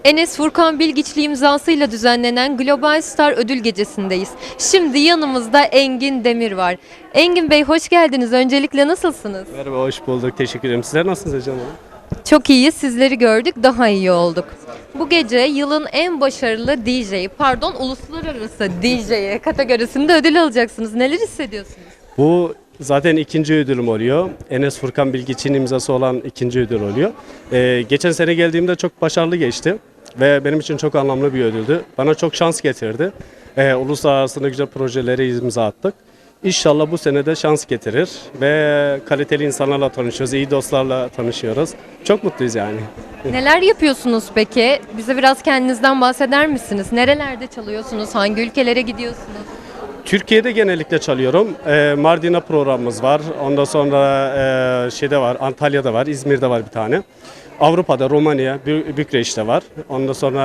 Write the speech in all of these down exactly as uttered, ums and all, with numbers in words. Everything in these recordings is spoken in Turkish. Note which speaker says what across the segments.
Speaker 1: Enes Furkan Bilgiçli imzasıyla düzenlenen Global Star Ödül Gecesi'ndeyiz. Şimdi yanımızda Engin Demir var. Engin Bey hoş geldiniz. Öncelikle nasılsınız?
Speaker 2: Merhaba, hoş bulduk. Teşekkür ederim. Sizler nasılsınız Ecem Hanım?
Speaker 1: Çok iyi. Sizleri gördük. Daha iyi olduk. Bu gece yılın en başarılı D J'yi, pardon uluslararası D J'ye kategorisinde ödül alacaksınız. Neler hissediyorsunuz?
Speaker 2: Bu zaten ikinci ödülüm oluyor. Enes Furkan Bilgiç'in imzası olan ikinci ödül oluyor. Ee, geçen sene geldiğimde çok başarılı geçti. Ve benim için çok anlamlı bir ödüldü. Bana çok şans getirdi. Ee, uluslararası ne güzel projelere imza attık. İnşallah bu sene de şans getirir ve kaliteli insanlarla tanışıyoruz, iyi dostlarla tanışıyoruz. Çok mutluyuz yani.
Speaker 1: Neler yapıyorsunuz peki? Bize biraz kendinizden bahseder misiniz? Nerelerde çalıyorsunuz? Hangi ülkelere gidiyorsunuz?
Speaker 2: Türkiye'de genellikle çalıyorum. Ee, Mardin'e programımız var. Ondan sonra e, şeyde var, Antalya'da var, İzmir'de var bir tane. Avrupa'da, Romanya, Bü- Bükreş'te var. Ondan sonra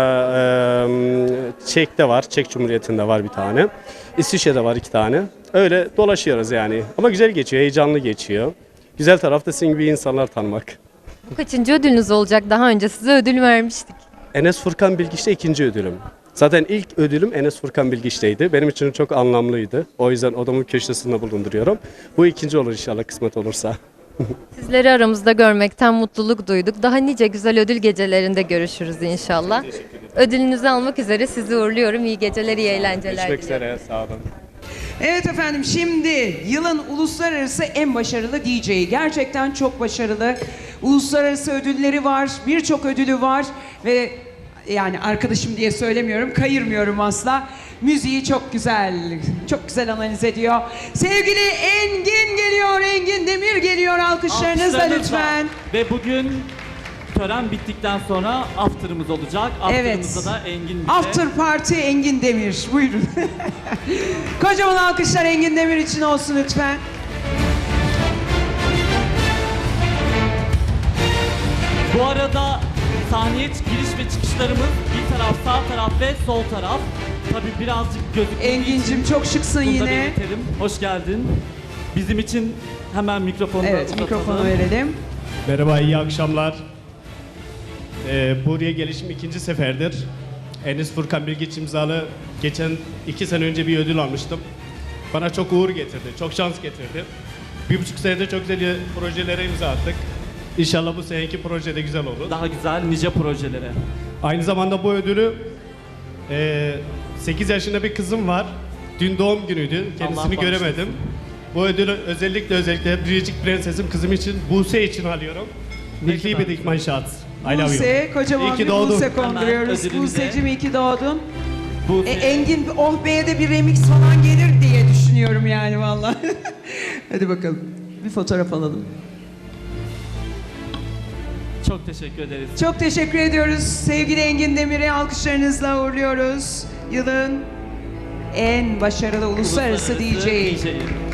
Speaker 2: e, Çek'te var, Çek Cumhuriyeti'nde var bir tane. İsviçre'de var iki tane. Öyle dolaşıyoruz yani. Ama güzel geçiyor, heyecanlı geçiyor. Güzel taraf da sizin gibi insanlar tanımak.
Speaker 1: Bu kaçıncı ödülünüz olacak? Daha önce size ödül vermiştik.
Speaker 2: Enes Furkan Bilgiç'te ikinci ödülüm. Zaten ilk ödülüm Enes Furkan Bilgiç'teydi. Benim için çok anlamlıydı. O yüzden odamın köşesinde bulunduruyorum. Bu ikinci olur inşallah kısmet olursa.
Speaker 1: Sizleri aramızda görmekten mutluluk duyduk. Daha nice güzel ödül gecelerinde görüşürüz inşallah. Ödülünüzü almak üzere sizi uğurluyorum. İyi geceler, iyi eğlenceler
Speaker 2: Görüşmek
Speaker 1: diliyorum.
Speaker 2: üzere, sağ olun.
Speaker 3: Evet efendim, şimdi yılın uluslararası en başarılı D J'yi. Gerçekten çok başarılı. Uluslararası ödülleri var, birçok ödülü var ve yani arkadaşım diye söylemiyorum, kayırmıyorum asla. Müziği çok güzel, çok güzel analiz ediyor. Sevgili Engin geliyor, Engin Demir geliyor. Alkışlarınızla
Speaker 4: Alkışlarınızla.
Speaker 3: lütfen.
Speaker 4: Ve bugün tören bittikten sonra after'ımız olacak.
Speaker 3: Evet.
Speaker 4: After'ımızda da Engin bize...
Speaker 3: After Party Engin Demir. Buyurun. Kocaman alkışlar Engin Demir için olsun lütfen.
Speaker 4: Bu arada sahneye giriş ve çıkışlarımız bir taraf sağ taraf ve sol taraf. Tabii birazcık gözüktüğü
Speaker 3: Engin'cim
Speaker 4: için
Speaker 3: çok şıksın
Speaker 4: bunu da
Speaker 3: yine.
Speaker 4: belirtelim. Hoş geldin. Bizim için hemen mikrofonu da
Speaker 3: Evet,
Speaker 4: uzatalım.
Speaker 3: mikrofonu verelim.
Speaker 5: Merhaba, iyi akşamlar. Ee, buraya gelişim ikinci seferdir. Enes Furkan Bilgiç imzalı geçen iki sene önce bir ödül almıştım. Bana çok uğur getirdi, çok şans getirdi. Bir buçuk senede çok güzel projelere imza attık. İnşallah bu seneki proje de güzel olur.
Speaker 4: Daha güzel nice projelere.
Speaker 5: Aynı zamanda bu ödülü e, sekiz yaşında bir kızım var. Dün doğum günüydü, kendisini
Speaker 4: Allah
Speaker 5: göremedim.
Speaker 4: bağışlasın.
Speaker 5: Bu ödülü özellikle özellikle Biricik Prensesim kızım için, Buse için alıyorum.
Speaker 4: Ne
Speaker 5: Nikli
Speaker 4: kadar
Speaker 5: bir dikman şart. I love you.
Speaker 3: Buse, kocaman
Speaker 5: İyi ki
Speaker 3: bir
Speaker 5: doğdun.
Speaker 3: Buse konduruyoruz.
Speaker 4: Hemen ödülümüze.
Speaker 3: Buse'cim iyi ki doğdun.
Speaker 4: Bu
Speaker 3: E, Engin, oh beye de bir remix falan gelir diye düşünüyorum yani vallahi. Hadi bakalım. Bir fotoğraf alalım.
Speaker 4: çok teşekkür ederiz.
Speaker 3: Çok teşekkür ediyoruz. Sevgili Engin Demir'i alkışlarınızla uğurluyoruz. Yılın en başarılı uluslararası, D J'yi.
Speaker 4: D J'yi.